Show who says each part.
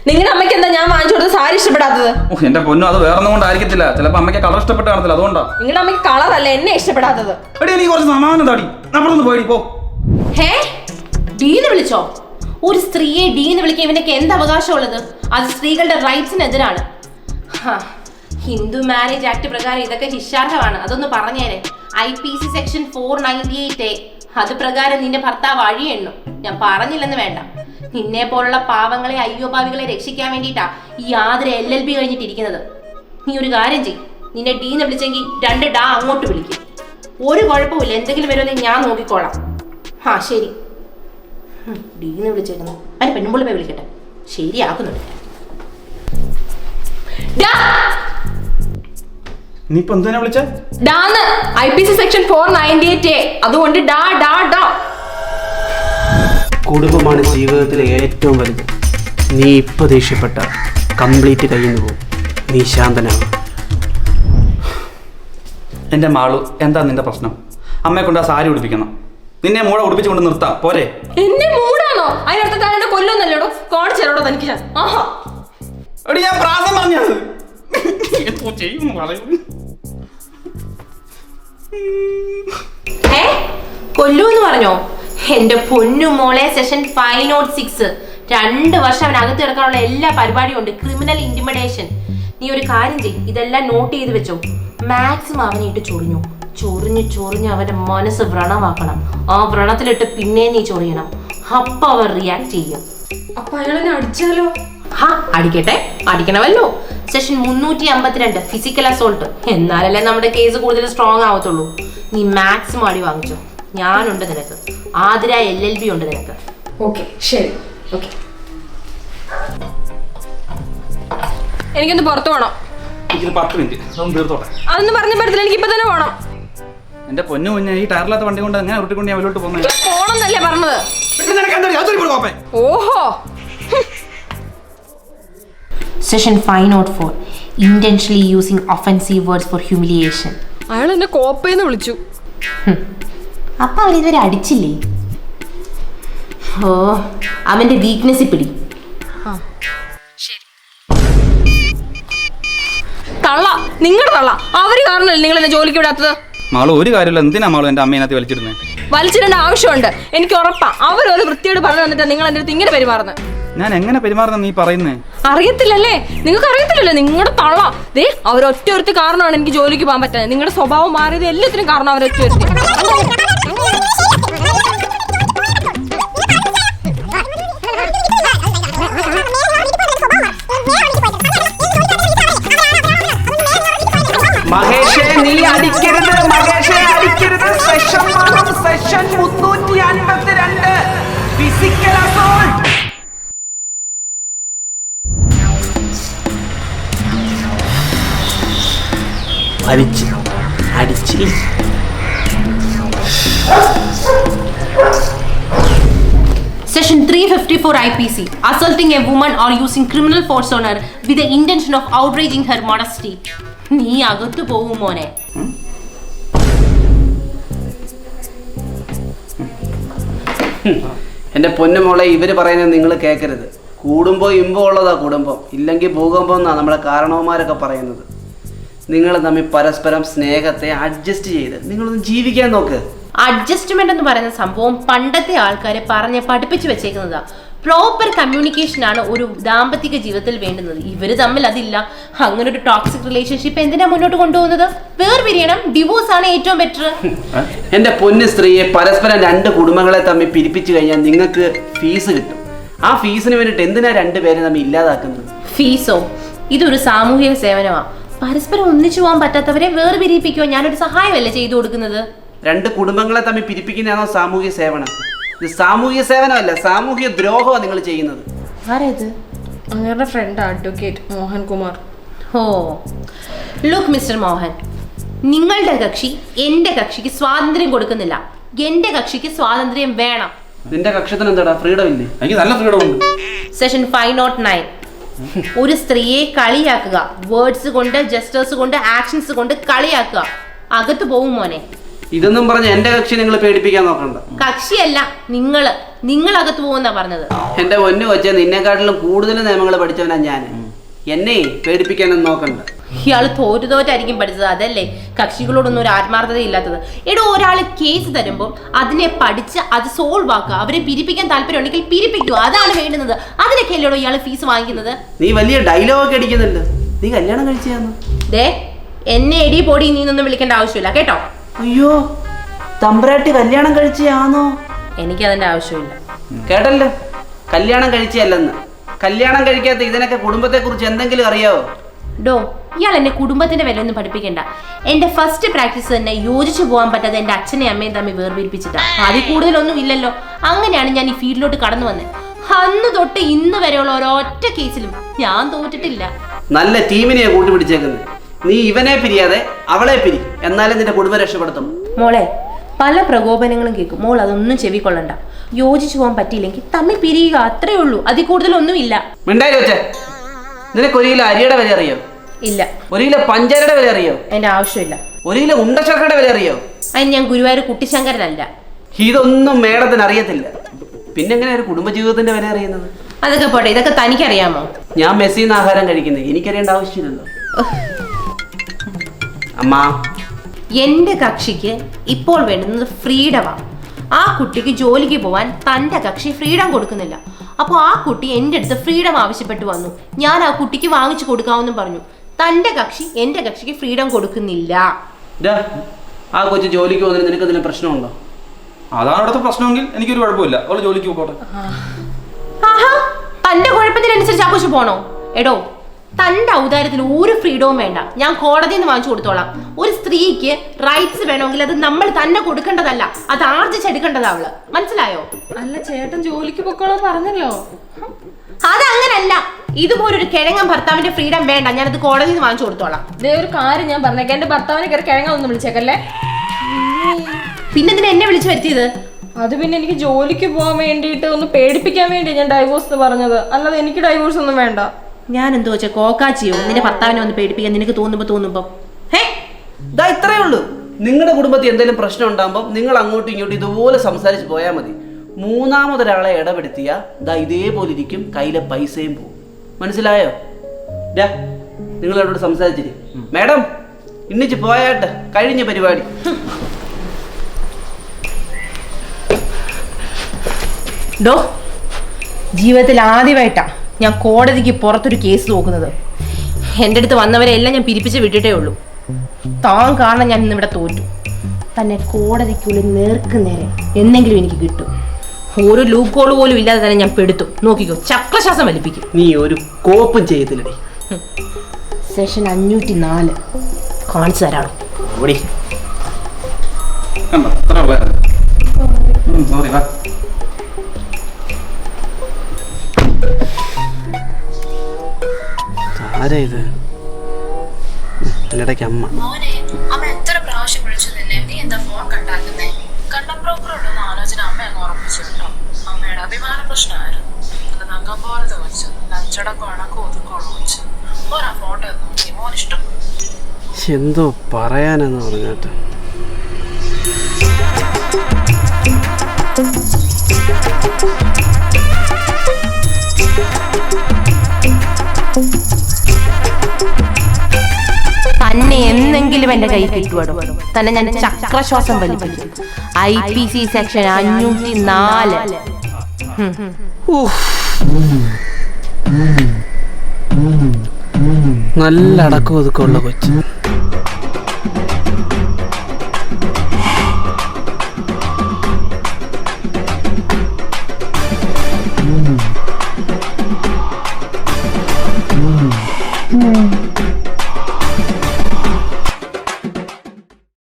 Speaker 1: നിങ്ങളുടെ അമ്മയ്ക്ക് എന്താ ഞാൻ വാങ്ങിച്ചു കൊടുത്ത സാരി ഇഷ്ടപ്പെടാത്തത്?
Speaker 2: എന്റെ പൊന്നു, അത് വേറെ ഒന്നും കൊണ്ടായിരിക്കത്തില്ല. ചിലപ്പോ അമ്മയ്ക്ക് കളർ ഇഷ്ടപ്പെട്ട് കാണത്തില്ല, അതുകൊണ്ടാ.
Speaker 1: നിങ്ങളുടെ അമ്മയ്ക്ക് കളർ അല്ല എന്നെ ഇഷ്ടപ്പെടാത്തത്.
Speaker 2: എടി നീ കുറച്ച് സമാധാനം താടി, നമ്മളൊന്ന് പോയി പോ.
Speaker 3: ഹേ, ഡീന്ന് വിളിച്ചോ? ഒരു സ്ത്രീയെ ഡീന്ന് വിളിക്കാൻ ഇവനൊക്കെ എന്ത് അവകാശമുള്ളത്? അത് സ്ത്രീകളുടെ റൈറ്റ്സിനെതിരാണ്. ഹിന്ദു മാരേജ് ആക്ട് പ്രകാരം ഇതൊക്കെ ശിക്ഷാർഹമാണ്. അതൊന്ന് പറഞ്ഞേരെ. IPC സെക്ഷൻ 498A അത് പ്രകാരം നിന്റെ ഭർത്താവ് അഴിയെണ്ണു. ഞാൻ പറഞ്ഞില്ലെന്ന് വേണ്ട. നിന്നെ പോലുള്ള പാവങ്ങളെ അയ്യോപാവികളെ രക്ഷിക്കാൻ വേണ്ടിയിട്ടാ ഈ ആതിര LLB കഴിഞ്ഞിട്ടിരിക്കുന്നത്. നീ ഒരു കാര്യം ചെയ്യും, നിന്നെ ഡീന്ന് വിളിച്ചെങ്കിൽ 2 ഡാ അങ്ങോട്ട് വിളിക്കും. ഒരു കുഴപ്പമില്ല, എന്തെങ്കിലും വരുമെന്ന് ഞാൻ നോക്കിക്കോളാം. ശരി. ഡീന്ന് വിളിച്ചേക്കുന്നു. അതിന് പെണ്ണുമ്പോൾ പോയി വിളിക്കട്ടെ, ശരിയാക്കുന്നുണ്ട്.
Speaker 2: നീ ഇപ്പൊ എന്തിനാ വിളിച്ചേ?
Speaker 1: ഡാന്ന് IPC സെക്ഷൻ 498A. അതുകൊണ്ട് ഡാ ഡാ ഡാ.
Speaker 4: കുടുംബമാണ് ജീവിതത്തിലെ ഏറ്റവും വലുത്. നീ ഇപ്പൊ ദേഷ്യപ്പെട്ട കംപ്ലീറ്റ് കഴിയുന്നു പോകും. നീ ശാന്തനാണ്.
Speaker 2: എന്റെ മാളു, എന്താ നിന്റെ പ്രശ്നം? അമ്മയെ കൊണ്ട് ആ സാരി ഉടുപ്പിക്കണം. നിന്നെ മൂടെ ഉടുപ്പിച്ചുകൊണ്ട് നിർത്താം പോരെ?
Speaker 1: എന്നെ മൂടാണോ? അതിനർത്ഥം താൻ എന്നെ കൊല്ലുന്നല്ലോടോ. കാണിച്ചോടോ തനിക്ക് ഞാൻ. ആഹാ,
Speaker 2: എടി ഞാൻ പ്രാസം പറഞ്ഞത്.
Speaker 3: കൊല്ലൂന്ന് പറഞ്ഞോ? എന്റെ പൊന്നു മോളെ, സെഷൻ 506 2 വർഷം അവനകത്ത് കിടക്കാനുള്ള എല്ലാ പരിപാടിയും ഉണ്ട്. Criminal intimidation. നീ ഒരു കാര്യം ചെയ്യും, ഇതെല്ലാം നോട്ട് ചെയ്ത് വെച്ചോ. മാക്സിമം അവനെ ഇട്ട് ചൊറിഞ്ഞു ചൊറിഞ്ഞ് അവന്റെ മനസ്സ് വ്രണമാക്കണം. ആ വ്രണത്തിലിട്ട് പിന്നെ നീ ചൊറിയണം. അപ്പൊ അവർ റിയാക്ട് ചെയ്യും.
Speaker 1: അപ്പൊ അയാളെന്നെ അടിച്ചാലോ?
Speaker 3: അടിക്കട്ടെ, അടിക്കണമല്ലോ. Section 352 physical assault. എന്നാലല്ലേ നമ്മുടെ കേസ് കൂടുതൽ സ്ട്രോങ് ആവത്തുള്ളൂ. നീ മാക്സിമം അടി വാങ്ങിച്ചോ. ഞാനുണ്ട് നിനക്ക്. ആതിര LLB ഉണ്ട് നിനക്ക്.
Speaker 1: ഓക്കെ, ശരി. ഓക്കെ, എനിക്കൊന്ന് പുറത്തു പോകണം.
Speaker 2: 10 മിനിറ്റ് അതൊന്നും തീർത്തോട്ടെ.
Speaker 1: അതൊന്നും പറഞ്ഞ പറ്റത്തില്ല, എനിക്ക് ഇപ്പൊ തന്നെ പോകണം.
Speaker 2: എന്റെ പൊന്നു കുഞ്ഞ, ഈ ടയറില്ലാത്ത വണ്ടി കൊണ്ട് അങ്ങനെ ഉരുട്ടിക്കൊണ്ട് ഞാൻ അവലോട്ട് പോകുന്നത്.
Speaker 1: പോണെന്നല്ലേ പറഞ്ഞത്? ഓഹോ.
Speaker 3: Section 504 intentionally using offensive words for humiliation.
Speaker 1: അയാൾ എന്നെ കോപ്പയെന്ന് വിളിച്ചു.
Speaker 3: അപ്പൊ അവൻ ഇതുവരെ അടിച്ചില്ലേ? അവന്റെ വീക്ക്നെസ് പിടി.
Speaker 1: തള്ള, നിങ്ങളുടെ തള്ള. അവര് കാരണല്ലേ നിങ്ങൾ എന്നെ ജോലിക്ക് വിടാത്തത്?
Speaker 2: മാളു, ഒരു കാര്യമില്ല. എന്തിനാ മാളു എന്റെ അമ്മേനകത്ത് വലിച്ചിടുന്നത്?
Speaker 1: വലിച്ചിടേണ്ട ആവശ്യമുണ്ട്. എനിക്ക് ഉറപ്പാ അവരൊരു വൃത്തിയോട് പറഞ്ഞു വന്നിട്ടാ നിങ്ങൾ എന്റെ അടുത്ത് ഇങ്ങനെ പെരുമാറുന്നത്.
Speaker 2: ഞാൻ എങ്ങനെ പെരുമാറുന്ന നീ പറയുന്നേ?
Speaker 1: അറിയത്തില്ലല്ലേ? നിങ്ങൾക്ക് അറിയത്തില്ലല്ലേ? നിങ്ങളുടെ തള്ള. ദേ, അവരൊറ്റ കാരണമാണ് എനിക്ക് ജോലിക്ക് പോകാൻ പറ്റാതെ. നിങ്ങളുടെ സ്വഭാവം മാറിയത് എല്ലാത്തിനും കാരണം അവരൊറ്റ.
Speaker 4: മഹേഷേ, നീ അടിക്കരുത്. മഹേഷേ, അടിക്കരുത്. Section 352 physical assault. അടിച്ചില്ല.
Speaker 3: Section 354 IPC assaulting a woman or using criminal force on her with the intention of outraging her modesty. നീ അകത്തു പോകും മോനെ.
Speaker 4: എൻ്റെ പൊന്നുമോളെ, ഇവർ പറയുന്നത് നിങ്ങൾ കേൾക്കരുത്. കൂടുമ്പോൾ ഇമ്പം ഉള്ളതാ കുടുംബം, ഇല്ലെങ്കിൽ ഭൂകമ്പം എന്നാണ് നമ്മുടെ കാരണവന്മാരൊക്കെ പറയുന്നത്. നിങ്ങൾ തമ്മിൽ പരസ്പരം സ്നേഹത്തെ അഡ്ജസ്റ്റ് ചെയ്ത് നിങ്ങളൊന്ന് ജീവിക്കാൻ നോക്ക്.
Speaker 3: അഡ്ജസ്റ്റ്മെന്റ് എന്ന് പറയുന്ന സംഭവം പണ്ടത്തെ ആൾക്കാരെ പറഞ്ഞ് പഠിപ്പിച്ചു വെച്ചേക്കുന്നതാ. പ്രോപ്പർ കമ്മ്യൂണിക്കേഷൻ ആണ് ഒരു ദാമ്പത്തിക ജീവിതത്തിൽ വേണ്ടുന്നത്. ഇവര് തമ്മിൽ അതില്ല. അങ്ങനെ ഒരു ടോക്സിക് റിലേഷൻഷിപ്പ് എന്തിനാ മുന്നോട്ട് കൊണ്ടുപോകുന്നത്? വേർപിരിയണം. ഡിവോഴ്സ് ആണ് ഏറ്റവും ബെറ്റർ.
Speaker 4: എൻ്റെ പൊന്നു സ്ത്രീയെ, പരസ്പരം 2 കുടുംബങ്ങളെ തമ്മിൽ പിരിപ്പിച്ചു കഴിഞ്ഞാൽ നിങ്ങൾക്ക് ഫീസ് കിട്ടും. ആ ഫീസിന് വേണ്ടിയിട്ട് എന്തിനാ 2 പേരെ തമ്മിൽ ഇല്ലാതാക്കുന്നത്?
Speaker 3: ഫീസോ? ഇതൊരു സാമൂഹിക സേവനമാണ്. പരസ്പരം ഒന്നിച്ചു പോകാൻ പറ്റാത്തവരെ വേർപിരിപ്പിക്കുമോ? ഞാനൊരു സഹായമല്ലേ ചെയ്തു കൊടുക്കുന്നത്?
Speaker 4: 2 കുടുംബങ്ങളെ തമ്മിൽ പിരിപ്പിക്കുന്നതാണോ സാമൂഹിക സേവനം? ഇത് സാമൂഹിക സേവനമല്ല, സാമൂഹിക ദ്രോഹമാണ് നിങ്ങൾ ചെയ്യുന്നത്.
Speaker 3: ആരേത്?
Speaker 1: അങ്ങയുടെ friend advocate Mohan Kumar.
Speaker 3: Look mister Mohan, നിങ്ങളുടെ കക്ഷി എന്റെ കക്ഷിക്ക് സ്വാതന്ത്ര്യം കൊടുക്കുന്നില്ല. എന്റെ കക്ഷിക്ക് സ്വാതന്ത്ര്യം വേണം.
Speaker 4: നിന്റെ കക്ഷത്തിന് എന്താടാ ഫ്രീഡം ഇല്ലേ?
Speaker 2: എനിക്ക് നല്ല ഫ്രീഡം ഉണ്ട്.
Speaker 3: സെഷൻ 509 ഒരു സ്ത്രീയെ കളിയാക്കുക. വേർഡ്സ് കൊണ്ട്, ജസ്റ്റേഴ്സ് കൊണ്ട്, ആക്ഷൻസ് കൊണ്ട് കളിയാക്കുക. അകത്ത് പോവും മോനെ.
Speaker 4: ഇതൊന്നും പറഞ്ഞ് എന്റെ കക്ഷി നിങ്ങൾ പേടിപ്പിക്കാൻ നോക്കണ്ട.
Speaker 3: കക്ഷിയല്ല നിങ്ങള്. നിങ്ങളകത്ത് പോകുന്നാ പറഞ്ഞത്.
Speaker 4: എന്റെ പൊന്നു കൊച്ചെ, നിന്നെക്കാട്ടിലും കൂടുതൽ നിയമങ്ങൾ പഠിച്ചവനാ ഞാൻ. എന്നെ പേടിപ്പിക്കാനൊന്നും നോക്കണ്ട.
Speaker 3: ഇയാൾ തോറ്റായിരിക്കും പഠിച്ചത്, അതല്ലേ കക്ഷികളോടൊന്നും ഒരു ആത്മാർത്ഥത ഇല്ലാത്തത്. എടോ, ഒരാൾ കേസ് തരുമ്പോൾ അതിനെ പഠിച്ച് അത് സോൾവ് ആക്കുക, അവരെ പിരിപ്പിക്കാൻ താല്പര്യം ഉണ്ടെങ്കിൽ പിരിപ്പിക്കുക, അതാണ് വേണ്ടുന്നത്. അതിനൊക്കെ അല്ലേടോ ഇയാൾ ഫീസ് വാങ്ങിക്കുന്നത്.
Speaker 4: നീ വലിയ ഡയലോഗൊക്കെ അടിക്കുന്നുണ്ട്. നീ കല്യാണം കഴിച്ചാന്ന്?
Speaker 3: ദേ, എന്നെ എടി പൊടി നീന്നൊന്നും വിളിക്കേണ്ട ആവശ്യമില്ല കേട്ടോ.
Speaker 4: അയ്യോ, തമ്പ്രാട്ടി കല്യാണം കഴിച്ചാന്നോ?
Speaker 3: എനിക്കതിന്റെ ആവശ്യമില്ല.
Speaker 4: കേട്ടല്ലോ, കല്യാണം കഴിച്ചല്ലെന്ന്. കല്യാണം കഴിക്കാത്ത ഇതിനൊക്കെ കുടുംബത്തെ കുറിച്ച് എന്തെങ്കിലും അറിയാവോ?
Speaker 3: ഡോ, ഇയാൾ എന്നെ കുടുംബത്തിന്റെ വില ഒന്നും പഠിപ്പിക്കണ്ട. എന്റെ ഫസ്റ്റ് പ്രാക്ടീസ് തന്നെ യോജിച്ചു പോകാൻ പറ്റാതെ എന്റെ അച്ഛനെയും അമ്മയും തമ്മിൽ വേർപിരിപ്പിച്ചിട്ടാ. അതിൽ കൂടുതലൊന്നും ഇല്ലല്ലോ. അങ്ങനെയാണ് ഞാൻ ഈ ഫീൽഡിലോട്ട് കടന്നു വന്നത്. അന്ന് തൊട്ട് ഇന്ന് വരെയുള്ള ഒരൊറ്റ കേസിലും ഞാൻ തോറ്റിട്ടില്ല.
Speaker 4: നല്ല ടീമിനെയാ കൂട്ടുപിടിച്ചേക്കുന്നത്. നീ ഇവനെ പിരിയാതെ അവളെ പിരി, എന്നാലും നിന്റെ കുടുംബം രക്ഷപ്പെടുത്തും.
Speaker 3: മോളെ, പല പ്രകോപനങ്ങളും കേൾക്കും. മോൾ അതൊന്നും ചെവിക്കൊള്ളണ്ട. യോജിച്ചു പോകാൻ പറ്റിയില്ലെങ്കിൽ തമ്മിൽ പിരിയുക, അത്രേ ഉള്ളൂ. അതിൽ കൂടുതലൊന്നും ഇല്ല.
Speaker 4: മിണ്ടായി വെച്ചേ. നിനക്ക് 1 കിലോ അരിയുടെ വില അറിയോ?
Speaker 3: ഇല്ല.
Speaker 4: 1 കിലോ പഞ്ചാരയുടെ വില അറിയോ?
Speaker 3: എന്റെ ആവശ്യമില്ല.
Speaker 4: 1 കിലോ ഉണ്ടശർക്കയുടെ വില അറിയോ?
Speaker 3: അതിന് ഞാൻ ഗുരുവായൂർ കുട്ടിശങ്കരനല്ല.
Speaker 4: ഇതൊന്നും മേഡത്തിന് അറിയത്തില്ല. പിന്നെ എങ്ങനെ ഒരു കുടുംബജീവിതത്തിന്റെ വില അറിയുന്നത്?
Speaker 3: അതൊക്കെ പോട്ടെ, ഇതൊക്കെ തനിക്കറിയാമോ?
Speaker 4: ഞാൻ മെസ്സിന്ന് ആഹാരം കഴിക്കുന്നത്, എനിക്കറിയേണ്ട ആവശ്യമില്ലല്ലോ. അമ്മ,
Speaker 3: എന്റെ കക്ഷിക്ക് ഇപ്പോൾ വേണ്ടുന്നത് ഫ്രീഡമാണ്. ആ കുട്ടിക്ക് ജോലിക്ക് പോവാൻ തന്റെ കക്ഷി ഫ്രീഡം കൊടുക്കുന്നില്ല. അപ്പോൾ ആ കുട്ടി എൻ്റെ അടുത്ത് ഫ്രീഡം ആവശ്യപ്പെട്ടു വന്നു. ഞാൻ ആ കുട്ടിക്ക് വാങ്ങിച്ചു കൊടുക്കാമെന്നും പറഞ്ഞു. തന്റെ കക്ഷി എന്റെ കക്ഷിക്ക് ഫ്രീഡം കൊടുക്കുന്നില്ല.
Speaker 4: ആ കൊച്ചു ജോലിക്ക് പോകുന്നതിന് നിനക്ക് എന്തെങ്കിലും പ്രശ്നമുണ്ടോ?
Speaker 2: അതാണ് അവിടുത്തെ പ്രശ്നമെങ്കിൽ എനിക്കൊരു കുഴപ്പമില്ല. അവള് ജോലിക്ക് പോകട്ടെ.
Speaker 3: ആഹാ, തന്റെ കുഴപ്പത്തിനനുസരിച്ച് ആ കൊച്ചു പോണോ? എടോ, തന്റെ ഔദാര്യത്തിൽ ഒരു ഫ്രീഡവും വേണ്ട. ഞാൻ കോടതിയിൽ നിന്ന് വാങ്ങിച്ചു കൊടുത്തോളാം. ഒരു സ്ത്രീക്ക് റൈറ്റ്സ് വേണമെങ്കിൽ അത് നമ്മൾ തന്നെ കൊടുക്കേണ്ടതല്ല, അത് ആർജിച്ചെടുക്കേണ്ടതാ അവള്. മനസ്സിലായോ?
Speaker 1: അല്ല, ചേട്ടൻ ജോലിക്ക് പൊക്കോളാൻ പറഞ്ഞല്ലോ.
Speaker 3: അതങ്ങനല്ല. ഇതുപോലൊരു കിഴങ്ങൻ ഭർത്താവിന്റെ ഫ്രീഡം വേണ്ട. ഞാനത് കോടതിയിൽ നിന്ന് വാങ്ങിച്ചു കൊടുത്തോളാം.
Speaker 1: ദേ, ഒരു കാര്യം ഞാൻ പറഞ്ഞേക്കാം, എന്റെ ഭർത്താവിനെ കയറി കിഴങ്ങാന്നൊന്നും വിളിച്ചേക്കല്ലേ.
Speaker 3: പിന്നെ എന്തിനാ എന്നെ വിളിച്ചു വരുത്തിയത്?
Speaker 1: അത് പിന്നെ എനിക്ക് ജോലിക്ക് പോകാൻ വേണ്ടിയിട്ട് ഒന്ന് പേടിപ്പിക്കാൻ വേണ്ടി ഞാൻ ഡൈവോഴ്സ് എന്ന് പറഞ്ഞത്, അല്ലാതെ എനിക്ക് ഡൈവോഴ്സ് ഒന്നും വേണ്ട.
Speaker 3: ഞാൻ എന്തോ വെച്ചാൽ കോക്കാച്ചിയോ നിന്റെ ഭർത്താവിനെ ഒന്ന് പേടിപ്പിക്കാൻ നിനക്ക് തോന്നുമ്പോ
Speaker 4: ഇതാ ഇത്രേ ഉള്ളൂ. നിങ്ങളുടെ കുടുംബത്തിൽ എന്തെങ്കിലും പ്രശ്നം ഉണ്ടാകുമ്പോൾ നിങ്ങൾ അങ്ങോട്ടും ഇങ്ങോട്ടും ഇതുപോലെ സംസാരിച്ച് പോയാൽ മതി. മൂന്നാമതൊരാളെ ഇടപെടുത്തിയാ ഇതാ ഇതേപോലെ ഇരിക്കും, കയ്യിലെ പൈസയും പോകും. മനസ്സിലായോ? നിങ്ങളോട് സംസാരിച്ചിരി. മാഡം, ഇന്നിച്ച് പോയാട്ടെ, കഴിഞ്ഞ പരിപാടി.
Speaker 3: ഡോ, ജീവിതത്തിൽ ആദ്യമായിട്ടാ ഞാൻ കോടതിക്ക് പുറത്തൊരു കേസ് നോക്കുന്നത്. എൻ്റെ അടുത്ത് വന്നവരെ എല്ലാം ഞാൻ പിരിപ്പിച്ച് വിട്ടിട്ടേ ഉള്ളൂ. താൻ കാരണം ഞാൻ ഇന്നിവിടെ തോറ്റു. തന്നെ കോടതിക്കുള്ളിൽ നേരെ എന്തെങ്കിലും എനിക്ക് കിട്ടും. ഒരു ലൂപ്പ് കോൾ പോലും ഇല്ലാതെ തന്നെ ഞാൻ പെടുത്തു. നോക്കിക്കോ, ചക്രശ്വാസം വലിപ്പിക്കും.
Speaker 4: നീ ഒരു കോപ്പും ചെയ്തില്ലടി.
Speaker 3: സെഷൻ 504 കാണിച്ചു തരാണോ?
Speaker 2: സോറി, വാ.
Speaker 4: ആരാ ഇത്? ഇടയ്ക്ക് അമ്മ.
Speaker 5: മോനെ, അമ്മ എത്ര പ്രാവശ്യം വിളിച്ചു നിന്നെ, നീ എന്താ ഫോൺ കട്ടാക്കുന്നേ? കണ്ടം ബ്രോക്കറുണ്ടെന്ന് ആലോചന അമ്മ അങ്ങ് ഉറപ്പിച്ചിട്ടോ. അമ്മയുടെ അഭിമാന പ്രശ്നമായിരുന്നു. അത് നങ്കം പോലെ തോന്നിച്ചു. നച്ചടക്കം അണക്കം ഒതുക്കോളം വെച്ചു. മോനാ ഫോട്ടോ നോക്കി, മോൻ ഇഷ്ടം.
Speaker 4: എന്തോ പറയാനെന്ന് പറഞ്ഞിട്ട്.
Speaker 3: തന്നെ എന്തെങ്കിലും എന്റെ കൈ കിട്ടുവാടോ, തന്നെ ഞാൻ ചക്രശ്വാസം വലിപ്പിക്കും. IPC section 504.
Speaker 4: നല്ല അടക്കം ഒതുക്കമുള്ള കൊച്ചു.